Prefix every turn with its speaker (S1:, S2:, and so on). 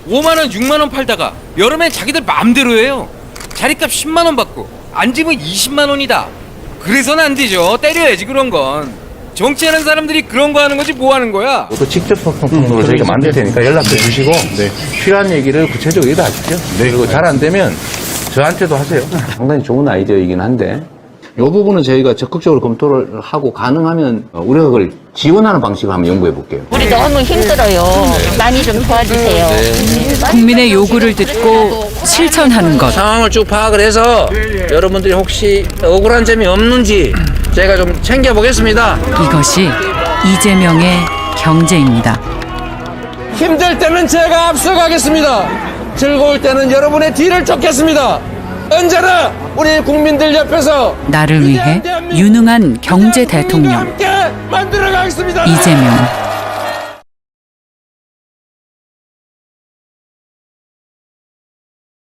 S1: 5만 원, 6만 원 팔다가 여름엔 자기들 마음대로 해요. 자리값 10만 원 받고 앉으면 20만 원이다. 그래서는 안 되죠. 때려야지 그런 건. 정치하는 사람들이 그런 거 하는 거지 뭐 하는 거야.
S2: 또 직접 소통으로 저희가 만들 테니까 연락도 주시고 필요한 얘기를 구체적으로 얘기하십시오. 그리고 잘 안 되면 저한테도 하세요.
S3: 상당히 좋은 아이디어이긴 한데 이 부분은 저희가 적극적으로 검토를 하고 가능하면 우리가 그걸 지원하는 방식을 한번 연구해 볼게요.
S4: 우리 너무 힘들어요. 많이 좀 도와주세요.
S5: 국민의 요구를 듣고 실천하는 것.
S6: 상황을 쭉 파악을 해서 여러분들이 혹시 억울한 점이 없는지 제가 좀 챙겨보겠습니다.
S5: 이것이 이재명의 경제입니다.
S6: 힘들 때는 제가 앞서가겠습니다. 즐거울 때는 여러분의 뒤를 쫓겠습니다. 언제나 우리 국민들 옆에서
S5: 나를 위해 유능한 경제 대통령
S6: 함께 만들어가겠습니다.
S5: 이재명.